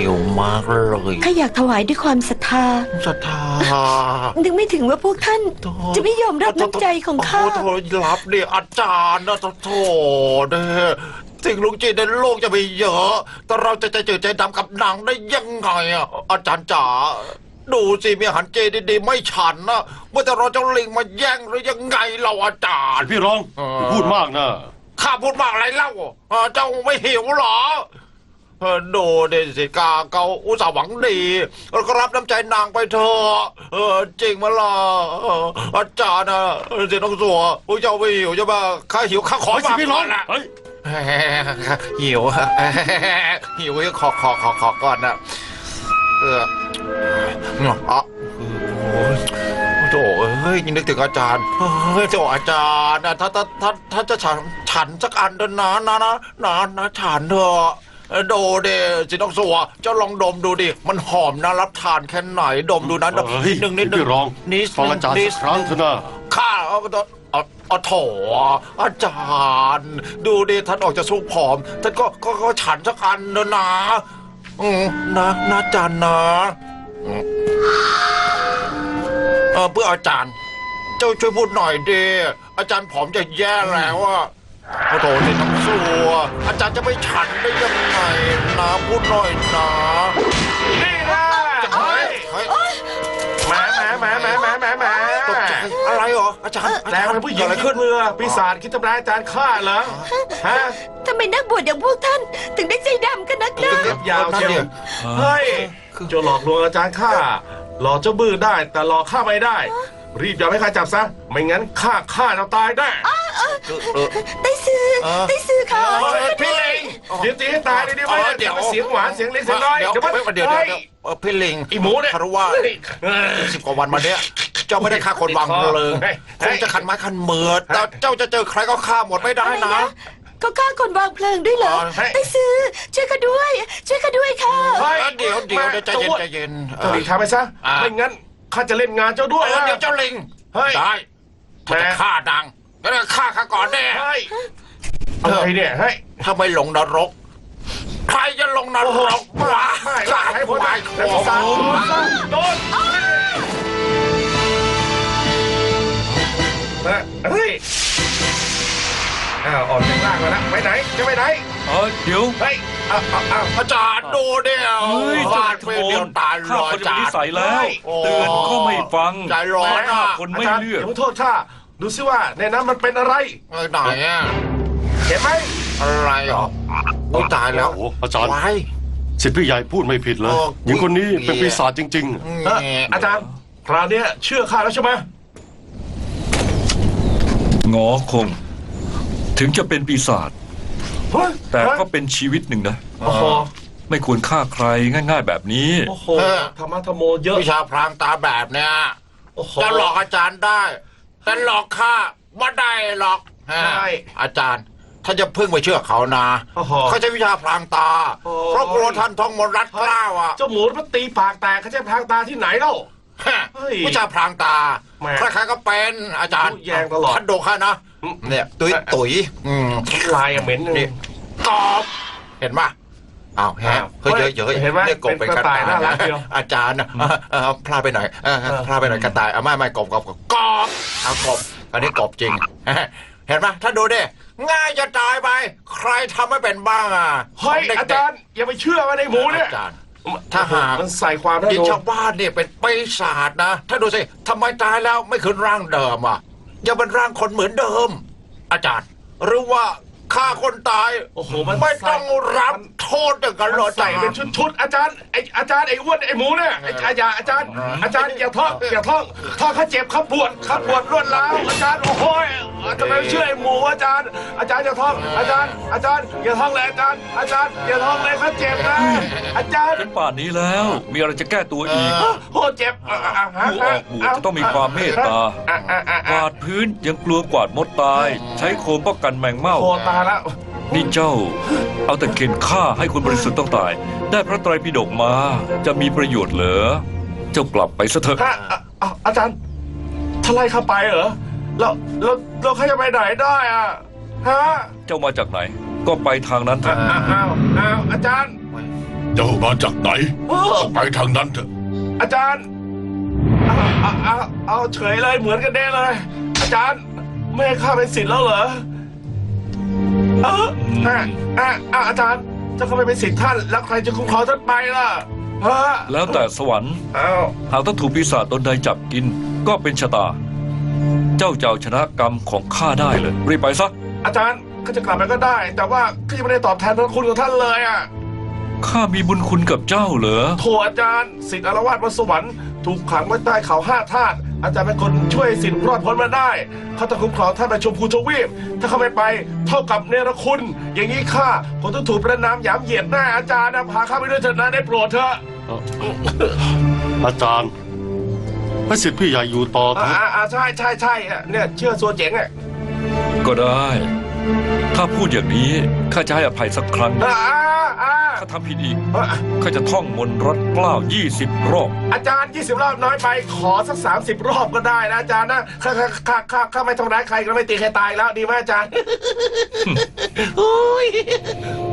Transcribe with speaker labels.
Speaker 1: วมากเลย
Speaker 2: ข้าอยากถวายด้วยความศรัทธานึกไม่ถึงว่าพวกท่านจะไม่ยอมรับน้ำใจของข้า
Speaker 1: โอ้รับเนี่ยอาจารย์นะโถเนี่ยสิ่งลุงจีนในโลกจะมีเยอะแต่เราจะใจจืดใจดำกับหนังได้ยังไงอ่ะอาจารย์จ๋าดูสิมีอาหารเจดีๆไม่ฉันนะเมื่อแต่เราเจ้าลิงมาแย่งหรือยังไงเราอาจารย์
Speaker 3: พี่รองพูดมากนะ
Speaker 1: ข้าพูดมากอะไรเล่าเจ้าไม่หิวหรอดูเดสิกาเขาอุตส่าห์หวังดีเราก็รับน้ำใจนางไปเถอะจริงมั้ยล่ะอาจารย์นะเสียน้องสัวเจ้าไม่หิวใช่ไหมข้าหิวข้าขอมา
Speaker 3: พี่รอง
Speaker 1: หิวหิวขอก่อนนะโถ่เฮ้ยนึกถึงอาจารย์เฮ้ยโถ่อาจารย์นะถ้าจะฉันสักอันเถอะนะฉันเถอะโดเดสิน้องสัวเจ้าลองดมดูดิมันหอมน่ารับทานแค่ไหนดมดูนั้นนิดนึง
Speaker 3: พี่รองฟังอาจารย์สักครั้งเถอะนะ
Speaker 1: ข้าเอาโถอาจารย์ดูดิท่านออกจะสู้ผอมท่านก็ฉันสักอันเถอะนะนะอาจารย์นะเพื่ออาจารย์เจ้าช่วยพูดหน่อยดิอาจารย์ผอมจะแย่แล้วอะโถนี่น้ำสัวอาจารย์จะไม่ฉันได้ยังไงนะพูดหน่อยนะ
Speaker 4: นี่นะแหม
Speaker 1: ตกใจอะไรเหรออาจารย์
Speaker 4: แต่เป็นผู้หญิงขึ้นเรือปีศาจคิดทำร้ายอาจารย์ข้าเหรอฮะ
Speaker 2: ทำไมนักบวชอย่างพวกท่านถึงได้ใจดำกันนักหนา
Speaker 4: ยาวเชียวเฮ้ยจะหลอกลวงอาจารย์ข้าหลอกเจ้าบื้อได้แต่หลอกข้าไม่ได้รีบอย่าให้ข้าจับซะไม่งั้นข้าจะตายได้
Speaker 2: ได้ซื้อเขา
Speaker 4: พี่ลิงเดี๋ยวตีให้ตายได้ไหมเดี๋ยวเสียงหวานเสียงเล็กเสียงน้อยเดี๋ยว
Speaker 1: พี่ลิง
Speaker 4: อีหมูเนี่ย
Speaker 1: คารวะ10 กว่าวันมาเนี้ยเจ้าไม่ได้ฆ่าคนวางเพลิงคงจะขันไม้ขันมือแต่เจ้าจะเจอใครก็ฆ่าหมดไม่ได้นะ
Speaker 2: เขาฆ่าคนวางเพลิงด้วยเหรอได้ซื้อช่วยข้าด้วยค่ะ
Speaker 1: เดี๋ยวใจเย็น
Speaker 4: เจ้าลิงทำไปซะไม่งั้นข้าจะเล่นงานเจ้าด้วย
Speaker 1: เดี๋ยวเจ้าลิงได้ถ้าจะฆ่าดังก็ต้องฆ่าข้าก่อนแน่
Speaker 4: อะไรเนี่ยเฮ้ย
Speaker 1: ถ้าไม่ลงนรกใครจะลงนรกวะ
Speaker 4: ให้ผมไปแล้วสาโดนเฮ้ยออกจากล่างแล้วนะไปไหนจะไปไหน
Speaker 3: เดี๋ยว
Speaker 4: เฮ้ย
Speaker 1: อาจารย์ดูเดียวฟาดไปเดียวตายรออาจารย์
Speaker 3: ใส่แล้วเตือนก็ไม่ฟัง
Speaker 1: ใจร้อน
Speaker 3: คนไม่เลือก
Speaker 4: อย่าโทษข้าดูซิว่าในนั้นมันเป็นอะไร
Speaker 1: ไหนอ่ะ
Speaker 4: เห็นไหม
Speaker 1: อะไรหรอโอ้ตายแล้ว
Speaker 3: อาจารย์สิทธิ์พี่ใหญ่พูดไม่ผิดเลยหญิงคนนี้เป็นปีศาจจริง
Speaker 4: ๆอาจารย์คราวนี้เชื่อข้าแล้วใช่ไหม
Speaker 3: งอคงถึงจะเป็นปีศาจแต่ก็เป็นชีวิตหนึ่งนะไม่ควรฆ่าใครง่ายๆแบบนี้
Speaker 4: โอ้โหธรรมะธรรมโมเยอะ
Speaker 1: วิชาพรางตาแบบเนี้ยจะหลอกอาจารย์ได้แต่หลอกข้าไม่ได้หรอกอาจารย์ท่านจะพึ่งไปเชื่อเขานะเขาใช้วิชาพรางตาเพราะกลัวท่านท่องมนต์รัดกล้าวอ่ะ
Speaker 4: เจ้าหมูมันตีปากแตกเขาใช้พรางตาที่ไหนเล่า
Speaker 1: วิชาพรางตาใครๆก็เป็นอาจารย์
Speaker 4: แยงตลอด
Speaker 1: ท่านโดข้านะเนี่ยตุ๋ย
Speaker 4: ลายเหม็น
Speaker 1: นี่กบเห็นป่ะอ้าวเฮ้ยเยอะ
Speaker 4: เห็นไหม
Speaker 1: กบเป็นกระต่ายน่ารักเดียวอาจารย์พลาดไปหน่อยกระต่ายไม่กบเอากบอันนี้กบจริงเห็นป่ะถ้าดูดิง่ายจะตายไปใครทำไม่เป็นบ้าง
Speaker 4: เฮ้ยอาจารย์อย่าไปเชื่อว่าในหมูเนี่ย
Speaker 1: ถ้าหาก
Speaker 4: มันใส่ความ
Speaker 1: ยิ่งชาวบ้านเนี่ยเป็นปีศาจนะถ้าดูสิทำไมตายแล้วไม่คืนร่างเดิมยังเป็นร่างคนเหมือนเดิมอาจารย์หรือว่าฆ่าคนตายไม่ต้องรับโทษอย่างกันหรอ
Speaker 4: ใส่เป็นชุดอาจารย์ไอ้อ้วนไอ้หมูเนี่ยอาจารย์อย่าท่องข้าเจ็บข้าปวดรวดร้าวอาจารย์โอ้โหทำไมไม่เชื่อไอ้หมูอาจารย์อย่าท่องอาจารย์อย่าท่องเลยอาจารย์อย่าท่องเลยข้าเจ็บนะอาจารย์
Speaker 3: เป็นป่านนี้แล้วมีอะไรจะแก้ตัวอีก
Speaker 4: โอ้เจ็บ
Speaker 3: ผู้ออกบวชจะต้องมีความเมตตากวาดพื้นยังกลัวกวาดมดตายใช้โคมป้องกันแมงเม่า
Speaker 4: แล้ว
Speaker 3: นี่เจ้าเอาแต่เข็นฆ่าให้คนบริสุทธิ์ต้องตายได้พระไตรปิฎกมาจะมีประโยชน์เหรอเจ้ากลับไปซะเถอะ
Speaker 4: อาจารย์ทลายข้าไปเหรอเราข้าจะไปไหนได้
Speaker 3: เจ้ามาจากไหนก็ไปทางนั้นเถอะ
Speaker 4: อ้าวอาจารย์
Speaker 5: เจ้ามาจากไหนไปทางนั้นเถอะ
Speaker 4: อาจารย์เอาเฉยเลยเหมือนกันเด้เลย อาจารย์ไม่ให้ข้าเป็นศิษย์แล้วเหรออาจารย์จะเข้าไปเป็นศิษย์ท่านแล้วใครจะคุ้มครองท่านไปล่ะ
Speaker 3: แล้วแต่สวรรค์หากต้องถูกปีศาจตนใดจับกินก็เป็นชะตา เจ้าจะเอาชนะกรรมของข้าได้เลยรีบไปซะ
Speaker 4: อาจารย์ก็จะกลับไปก็ได้ แต่ว่าข้ายังไม่ได้ตอบแทนพระคุณของท่านเลยอ่ะ
Speaker 3: ข้ามีบุญคุณกับเจ้าเหรอ
Speaker 4: โถอาจารย์ศิษย์อารวาสบนสวรรค์ถูกขังไว้ใต้เขา5 ธาตุอาจารย์เป็นคนช่วยศิษย์รอดพ้นมาได้เขาจะคุ้มครองท่านไปชมพูทวีปถ้าเขาไม่ไปเท่ากับเนรคุณ อย่างนี้ข้าผมต้องถูกประนามหยามเหยียดหน้าอาจารย์นะพาข้าไปด้วยเถิดนะได้โปรดเถอะ
Speaker 6: อาจารย์ให้สิทธิ์พี่ใหญ่อยู่ต่อเถอะ
Speaker 4: ใช่เนี่ยเชื่อส่วนเจ๋งอ่ะ
Speaker 3: ก็ได้ถ้าพูดอย่างนี้ข้าจะให้อภัยสักครั้งถ้าทำผิดอีกข้าจะท่องมนต์รัดเกล้า20 รอบ
Speaker 4: อาจารย์20 รอบน้อยไปขอสัก30 รอบก็ได้นะอาจารย์นะข้าไม่ทำร้ายใครก็ไม่ตีใครตายแล้วดีไหมอาจารย์